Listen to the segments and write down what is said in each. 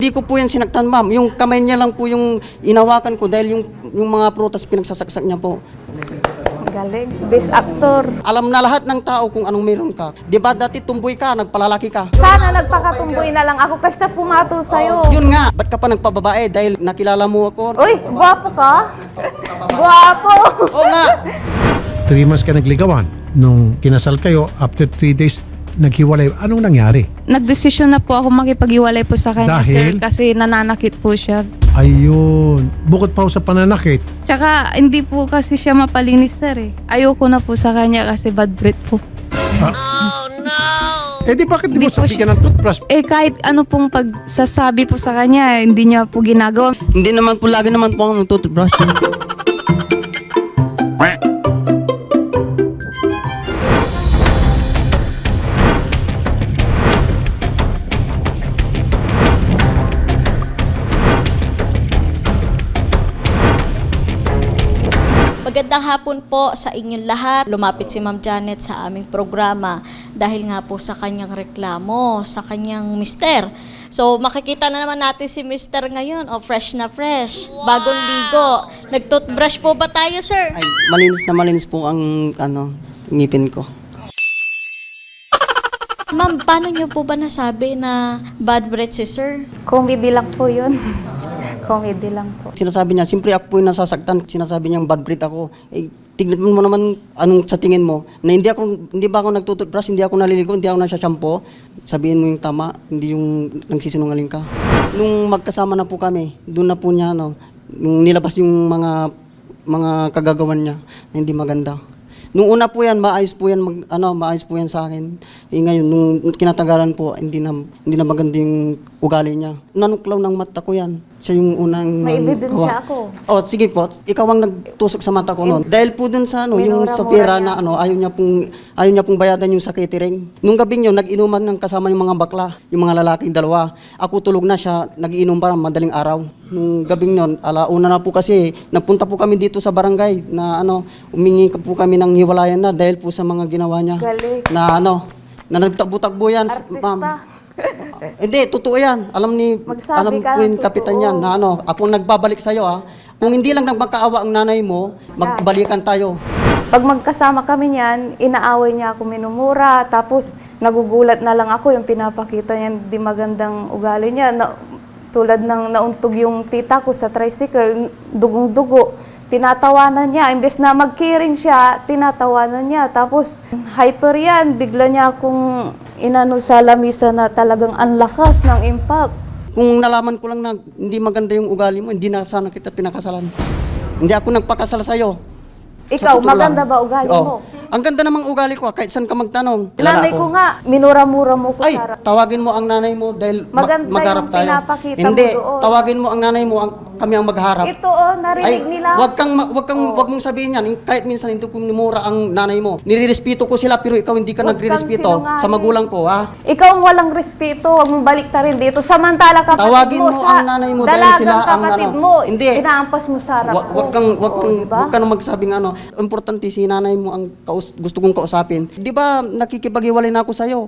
Hindi ko po yan sinaktan, ma'am. Yung kamay niya lang po yung inawakan ko dahil yung mga prutas pinagsasaksak niya po. Galing. Best actor. Alam na lahat ng tao kung anong meron ka. Di ba dati tumboy ka, nagpalalaki ka? Sana nagpakatumboy na lang ako kasi pumatol sa'yo. Yun nga, ba't ka pa nagpababae dahil nakilala mo ako? Uy, gwapo ka? Gwapo! Oo nga. 3 months ka nagligawan. Nung kinasal kayo, after 3 days, naghiwalay. Anong nangyari? Nagdesisyon na po ako makipag-iwalay po sa kanya, Dahil? sir, kasi nananakit po siya. Ayun. Bukod pa ho sa pananakit, Tsaka hindi po kasi siya mapalinis, sir eh. Ayoko na po sa kanya kasi bad breath po. eh di bakit di Hindi mo po sabihin ng toothbrush? Eh kahit ano pong pagsasabi po sa kanya, hindi niya po ginagawa. Hindi naman po, lagi naman po ako nagtutubrush. Magandang hapon po sa inyong lahat. Lumapit si Ma'am Janet sa aming programa dahil nga po sa kanyang reklamo, sa kanyang mister. So makikita na naman natin si mister ngayon, fresh na fresh, bagong ligo. Nag-toothbrush po ba tayo, sir? Ay, malinis po ang ngipin ko. Ma'am, paano niyo po ba nasabi na bad breath si sir? Comedy lang po yun. Comedy lang po. Sinasabi niya, siyempre ako po yung nasasaktan. Sinasabi niyang bad breath ako. Eh, tignan mo naman anong sa tingin mo. Na hindi ba ako nagtututbrush, hindi ako naliligo, hindi ako nagsashampoo. Sabihin mo yung tama, hindi yung nagsisinungaling ka. Nung magkasama na po kami, doon na po niya, nung nilabas yung mga kagagawan niya na hindi maganda. Nung una po yan, maayos po yan sa akin. Eh, ngayon, nung kinatagalan po, hindi na maganda yung ugali niya. Nanuklaw ng mata ko yan. Siya yung unang May ebidensya ako. Oh, sige po. Ikaw ang nagtusok sa mata ko noon. Dahil po dun sa yung sa pera na ayaw niya pong bayadan yung sa catering. Nung gabi yun, nag-inuman ng kasama yung mga bakla, yung mga lalaking dalawa. Ako tulog na siya, nag-iinom pa madaling araw. Nung gabing yun, alauna na po kasi, nagpunta po kami dito sa barangay na umingi po kami ng hiwalayan na dahil po sa mga ginawa niya. Galing. Na nagtakbo-takbo yan, Artista. ma'am. Hindi, totoo yan. Alam Magsabi ka po yung ng kapitan totoo. yan na ako nagbabalik sa'yo Kung hindi lang nagmakaawa ang nanay mo, magbalikan tayo. Pag magkasama kami niyan, inaaway niya ako minumura, tapos nagugulat na lang ako yung pinapakita niya, di magandang ugali niya. Tulad ng nauntog yung tita ko sa tricycle, dugong-dugo. Tinatawanan niya, imbes na mag-caring siya, tinatawanan niya. Tapos hyper yan, bigla niya akong inano sa lamisa na talagang anlakas ng impact. Kung nalaman ko lang na hindi maganda yung ugali mo, hindi na sana kita pinakasalan. Hindi ako nagpakasal sa'yo. Ikaw, Sa totoo maganda lang. ba ugali mo? Ang ganda namang ugali ko, kahit saan ka magtanong. Nanay ko nga, minura-mura mo ko Ay, sa tawagin mo ang nanay mo dahil Maganda magharap yung tayo. pinapakita mo Hindi, doon. tawagin mo ang nanay mo, kami ang magharap. Ito narinig nila. Wag mong sabihin yan. Kahit minsan hindi ko minumura ang nanay mo. Nirerespeto ko sila pero ikaw hindi ka Huwag kang nagrerespeto sa sinungaling. magulang ko, ha? Ikaw ang walang respeto, huwag mong balik ta rin dito. Samantala kapatid Tawagin mo sa ang nanay mo dahil sila dalagang ang kapatid ano. mo, Hindi. inaampas mo sa harap ko. Wag kang magsabing importante si nanay mo ang gusto kong kausapin. Di ba nakikipaghiwalay na ako sa'yo?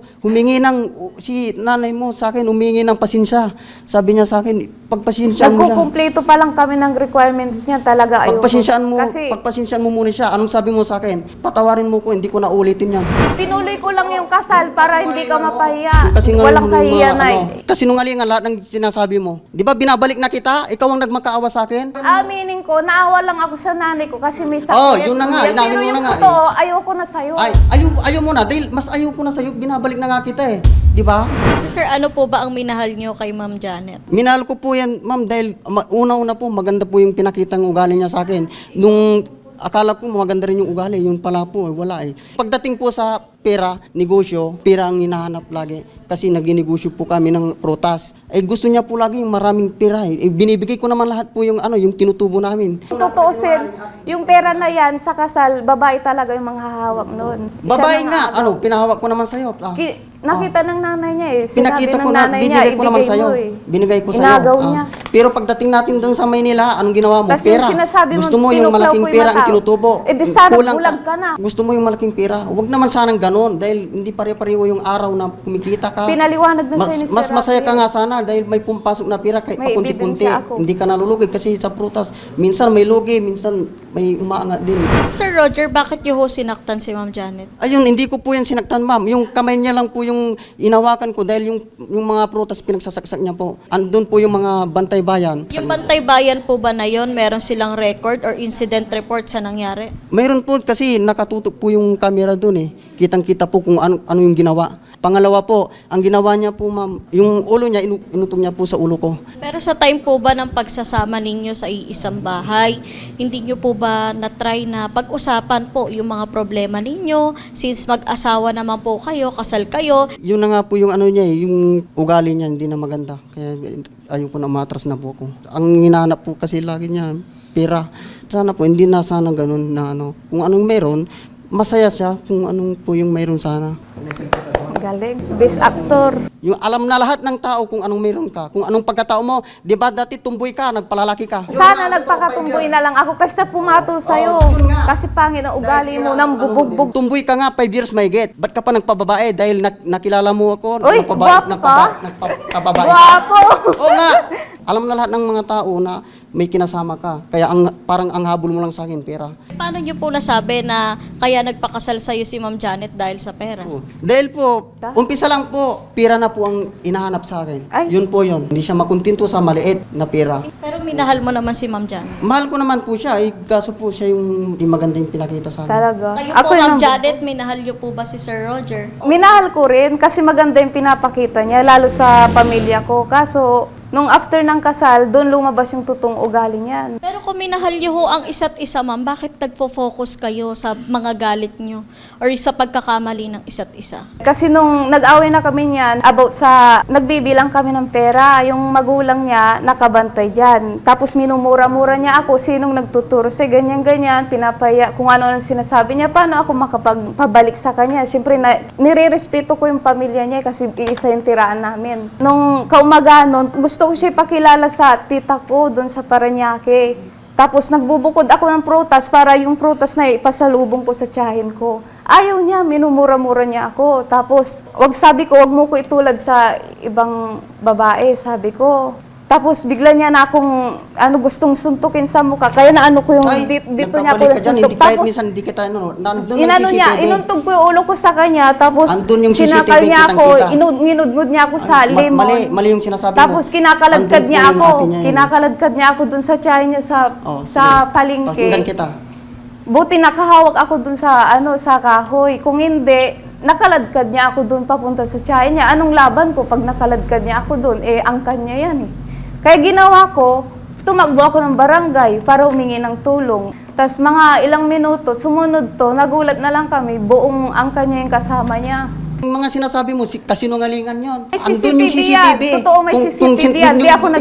Si nanay mo sa akin, humingi ng pasensya. Sabi niya sa akin, pagpasensyaan mo siya. Nagkukumpleto pa lang kami ng requirements niya, talaga ayoko. Pagpasensyaan mo muna siya. Anong sabi mo sa akin? Patawarin mo ko, hindi ko na ulitin yan. pinuloy ko lang yung kasal para hindi ka mapahiya. Kasi nga Walang kahiya na. kasinungalingan lahat ng sinasabi mo. Di ba binabalik na kita? Ikaw ang nagmakaawa sa akin? Aminin ko, naawa lang ako sa nanay ko kasi may sakit. Oh, yun na nga, Pero inamin mo yung na nga, totoo, ayoko na sa'yo. Ayaw mo na. Dahil mas ayaw ko na sa'yo, binabalik na nga kita eh. Di ba? Sir, ano po ba ang minahal niyo kay Ma'am Janet? Minahal ko po yan, ma'am, dahil una-una po, maganda po yung pinakitang ugali niya sa akin. Nung akala ko maganda rin yung ugali, yun pala po, wala eh. Pagdating po sa pera, negosyo, pera ang hinahanap lagi. Kasi nagninegosyo po kami ng prutas. Gusto niya po lagi yung maraming pera eh. Binibigay ko naman lahat po yung yung tinutubo namin. Tutuusin, yung pera na yan sa kasal, babae talaga yung manghahawak noon. Babae nga, pinahawak ko naman sa'yo. Nakita ng nanay niya eh. Pinakita Sinabi ko ng na, nanay niya, binigay ko naman ibigay sa'yo. mo eh. Binigay ko sa'yo. Inagaw niya. Pero pagdating natin doon sa Maynila, anong ginawa mo? Tas yung Pera. sinasabi mo, Gusto mo yung tinuklaw malaking ko yung pera ang mata. tinutubo. Eh, di sana Kulang bulag ka na. Gusto mo yung malaking pera. Huwag naman sanang ganon dahil hindi pare-pareho yung araw na kumikita ka. Pinaliwanag na mas, sa'yo ni Sir mas masaya ka Rafael. nga sana dahil may pumpasok na pera kahit May pakunti-kunti. ebidensya ako. Hindi ka nalulugi kasi sa prutas, minsan may lugi, minsan may umaangat din. Sir Roger, bakit niyo ho sinaktan si Ma'am Janet? Ayun, hindi ko po yan sinaktan, ma'am. Yung kamay niya lang po yung inawakan ko dahil yung mga prutas pinagsasaksak niya po. Andun po yung mga bantay bayan. Yung Bantay Bayan po ba na yon, meron silang record or incident report sa nangyari? Mayroon po kasi nakatutok po yung camera doon eh. Kitang-kita po kung ano yung ginawa. Pangalawa po, ang ginawa niya po, ma'am, yung ulo niya, inutong niya po sa ulo ko. Pero sa time po ba ng pagsasama ninyo sa iisang bahay, hindi nyo po ba na-try na pag-usapan po yung mga problema ninyo? Since mag-asawa naman po kayo, kasal kayo, Yun na nga po yung ano niya eh, yung ugali niya hindi na maganda. Kaya ayoko na matras na po ako. Ang hinahanap po kasi lagi niya, pera. Sana po, hindi na sana ganun na ano. Kung anong meron, masaya siya kung anong po yung meron sana. Galing. Best actor. Yung alam na lahat ng tao kung anong meron ka, kung anong pagkatao mo. Di ba dati tumboy ka, nagpalalaki ka. Sana nagpakatumboy na lang ako kasi pumatol sa'yo. Kasi pangit ang ugali mo nang bubugbog. Tumboy ka nga, 5 years may get. Ba't ka pa nagpababae? Dahil nakilala mo ako. Uy, gwapo ka. Nagpababae. Guwapo! Oo nga. Alam na lahat ng mga tao na may kinasama ka. Kaya parang ang habol mo lang sa akin, pera. paano nyo po nasabi na kaya nagpakasal sa'yo si Ma'am Janet dahil sa pera? Oo. Dahil po, umpisa lang po, pera na po ang inahanap sa akin. Ay. Yun po yun. Hindi siya makuntinto sa maliit na pera. Pero minahal mo naman si Ma'am Janet. Mahal ko naman po siya, kaso po siya yung di magandang pinakita sa akin. Talaga. Kayo Ako po, Ma'am yung Janet, minahal nyo po ba si Sir Roger? minahal ko rin kasi maganda yung pinapakita niya, lalo sa pamilya ko. Kaso, nung after ng kasal, doon lumabas yung totoong ugali niyan. Pero kung minahal nyo ho ang isa't isa, Ma'am, bakit nagfo-focus kayo sa mga galit nyo or sa pagkakamali ng isa't isa? Kasi nung nag-away na kami niyan, about sa, nagbibilang kami ng pera, yung magulang niya nakabantay dyan. Tapos minumura-mura niya ako, sinong nagtuturo sa ganyan-ganyan, pinapaya, kung ano ang sinasabi niya, paano ako makapagpabalik sa kanya. Siyempre, nire-respeto ko yung pamilya niya kasi iisa yung tiraan namin. Nung kaumagahan nun, gusto ko siya ipakilala sa tita ko doon sa Parañaque. Tapos nagbubukod ako ng prutas para yung prutas na ipasalubong ko sa tiyahin ko. Ayaw niya, minumura-mura niya ako. Tapos, sabi ko, wag mo ko itulad sa ibang babae, sabi ko. Tapos bigla niya na akong gustong suntukin sa mukha. Kaya naano ko yung dito niya ako nagkabalik ka dyan, suntok. hindi kahit Tapos minsan hindi kita, nandun yung inano niya, CCTV. inuntog ko yung ulo ko sa kanya. Tapos Andun yung sinakal CCTV, niya ako, kitang-kita. inudngud niya ako sa limon. Mali yung sinasabi mo. Tapos kinakaladkad Andun niya po yung ako. ate niya yun. Kinakaladkad niya ako dun sa tiyahin niya sa Sige. palengke. Pakinggan kita. Buti nakahawak ako dun sa sa kahoy. Kung hindi, nakaladkad niya ako dun papunta sa tiyahin niya. Anong laban ko pag nakaladkad niya ako dun? Angkan niya yan eh. Kaya ginawa ko, tumakbo ako ng barangay para humingi ng tulong. Tapos mga ilang minuto, sumunod to, nagulat na lang kami, buong angkan niya yung kasama niya. Yung mga sinasabi mo, kasinungalingan yun. May Andun yung CCTV yan. Totoo, may CCTV yan. Di ako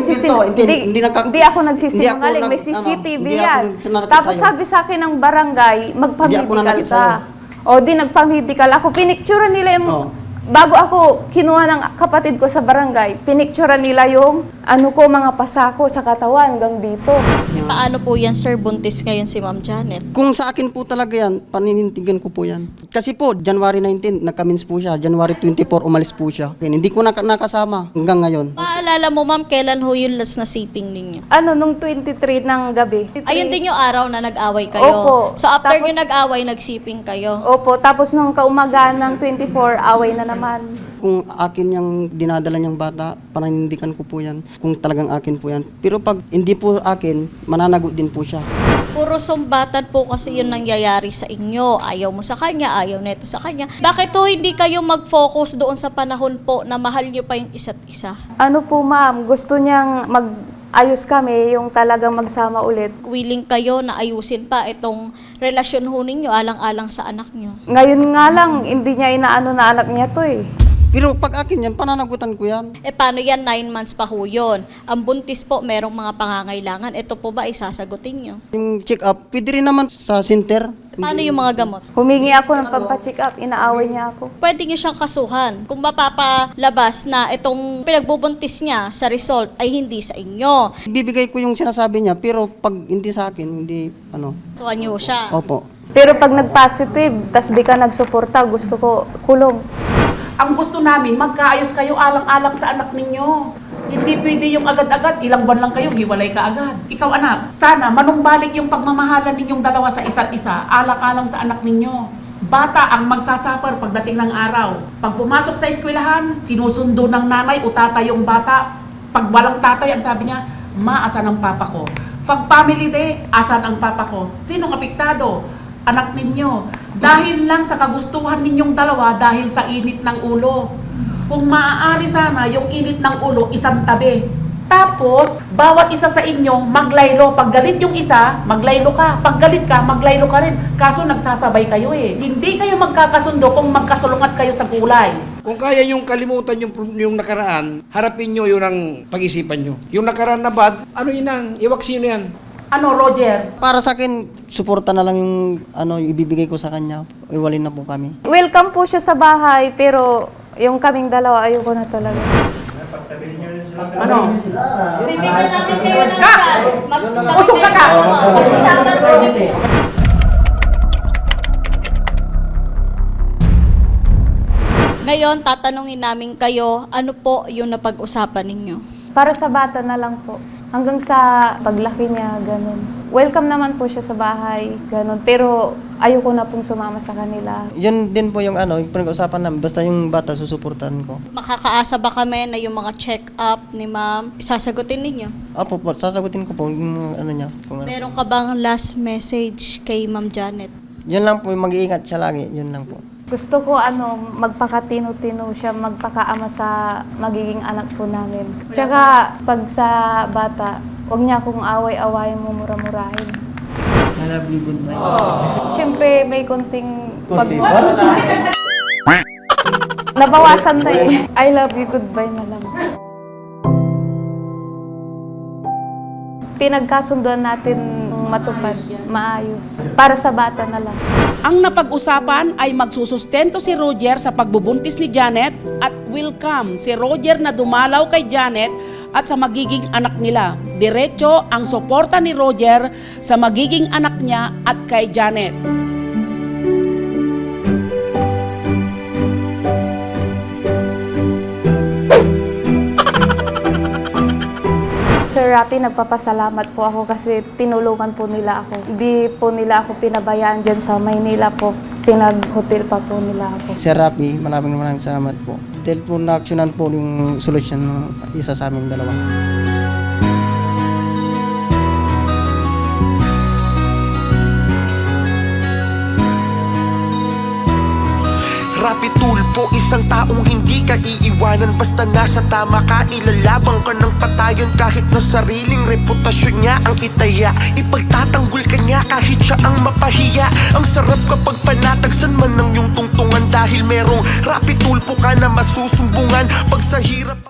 Hindi ako nagsisinungaling. May CCTV yan. Tapos sabi sa akin ng barangay, Hindi ako magpa-medical nanakit ka. O di nagpa-medical ako. Pinicturean nila yung... Oo. Bago ako kinuha ng kapatid ko sa barangay, pinicturean nila yung mga pasako sa katawan hanggang dito. Paano po yan, Sir? Buntis ngayon si Ma'am Janet. Kung sa akin po talaga yan, paninintigan ko po yan. Kasi po, January 19, nagkamins po siya. January 24, umalis po siya. Hindi ko nakasama hanggang ngayon. Paalala mo, Ma'am, kailan ho yung last na siping ninyo? Nung 23 ng gabi. Ayun din yung araw na nag-away kayo. Opo. So after Tapos- nyo nag-away, nagsiping kayo. Opo, tapos nung kaumagaan ng 24, away na naman. Kung akin yung dinadala niyang bata, paninindigan ko po yan. Kung talagang akin po yan. Pero pag hindi po akin, mananagot din po siya. Puro sumbatan po kasi yun nangyayari sa inyo. Ayaw mo sa kanya, ayaw neto sa kanya. Bakit ho hindi kayo mag-focus doon sa panahon po na mahal nyo pa yung isa't isa? Ano po ma'am, gusto niyang ayos kami, yung talagang magsama ulit. Willing kayo na ayusin pa itong relasyon ho ninyo alang-alang sa anak nyo. Ngayon nga lang, hindi niya inaano na anak niya to eh. Pero pag akin yan, pananagutan ko yan. Paano yan? 9 months pa ho yun. Ang buntis po, merong mga pangangailangan. Ito po ba isasagutin nyo? Yung check-up, pwede rin naman sa center. Paano yung mga gamot? Humingi ako ng pampacheck up, inaaway niya ako. Pwede nyo siyang kasuhan. Kung mapapalabas na itong pinagbubuntis niya sa result ay hindi sa inyo. Bibigay ko yung sinasabi niya, pero pag hindi sa akin, hindi, So, anyo siya. Opo. Pero pag nag-positive, tas di ka nagsuporta, gusto ko kulong. Ang gusto namin, magkaayos kayo alang-alang sa anak ninyo. Hindi pwede yung agad-agad, ilang buwan lang kayo, hiwalay ka agad. Ikaw anak, sana manumbalik yung pagmamahalan ninyong dalawa sa isa't isa, alang-alang sa anak ninyo. Bata ang magsasuffer pagdating ng araw. Pag pumasok sa eskwelahan, sinusundo ng nanay o tatay yung bata. Pag walang tatay, ang sabi niya, ma, asan ang papa ko? Pag family day, asan ang papa ko? Sinong apektado? Anak ninyo. Dahil lang sa kagustuhan ninyong dalawa, dahil sa init ng ulo. Kung maaari sana yung init ng ulo, isang tabi. Tapos, bawat isa sa inyo maglaylo. Pag galit yung isa, maglaylo ka. Pag galit ka, maglaylo ka rin. Kaso nagsasabay kayo eh. Hindi kayo magkakasundo kung magkasulungat kayo sa kulay. Kung kaya yung kalimutan yung nakaraan, harapin nyo yun ang pag-isipan nyo. Yung nakaraan na bad, ano yun ang, iwaksino yan. Ano, Roger? Para sa akin, suporta na lang yung ibibigay ko sa kanya. Iwalin na po kami. Welcome po siya sa bahay, pero yung kaming dalawa, ayoko na talaga. Ano? Bibigyan natin kayo ng Ka! chance. Usok ka ka! Ngayon, tatanungin namin kayo, ano po yung napag-usapan ninyo? Para sa bata na lang po. Hanggang sa paglaki niya, ganun. Welcome naman po siya sa bahay, ganun. Pero ayoko na pong sumama sa kanila. Yun din po yung yung pinag-usapan namin. Basta yung bata, susuportahan ko. Makakaasa ba kami na yung mga check-up ni ma'am, isasagutin ninyo? Opo po, sasagutin ko po yung niya. Kung ano. Meron ka bang last message kay Ma'am Janet? Yun lang po, mag-iingat siya lagi. Yun lang po. Gusto ko magpakatino-tino siya, magpakaama sa magiging anak po namin. Tsaka pag sa bata, huwag niya akong away-away mo mura-murahin. I love you, goodbye. Siyempre may konting nabawasan na eh. I love you, goodbye na lang. Pinagkasunduan natin matupad, maayos. Para sa bata na lang. Ang napag-usapan ay magsusustento si Roger sa pagbubuntis ni Janet at welcome si Roger na dumalaw kay Janet at sa magiging anak nila. Diretso ang suporta ni Roger sa magiging anak niya at kay Janet. Sir Rapi, nagpapasalamat po ako kasi tinulungan po nila ako. Hindi po nila ako pinabayaan dyan sa Maynila po. Pinag-hotel pa po nila ako. Sir Rapi, maraming salamat po. Dahil po na-actionan po yung solusyon ng isa sa aming dalawa. Rapi Tulfo, isang taong hindi ka iiwanan. Basta nasa tama ka, ilalabang ka ng patayon. Kahit na sariling reputasyon niya ang itaya, ipagtatanggol ka niya kahit siya ang mapahiya. Ang sarap kapag panatagsan man ng iyong tungtungan, dahil merong Rapi Tulfo ka na masusumbungan pag sa hirap.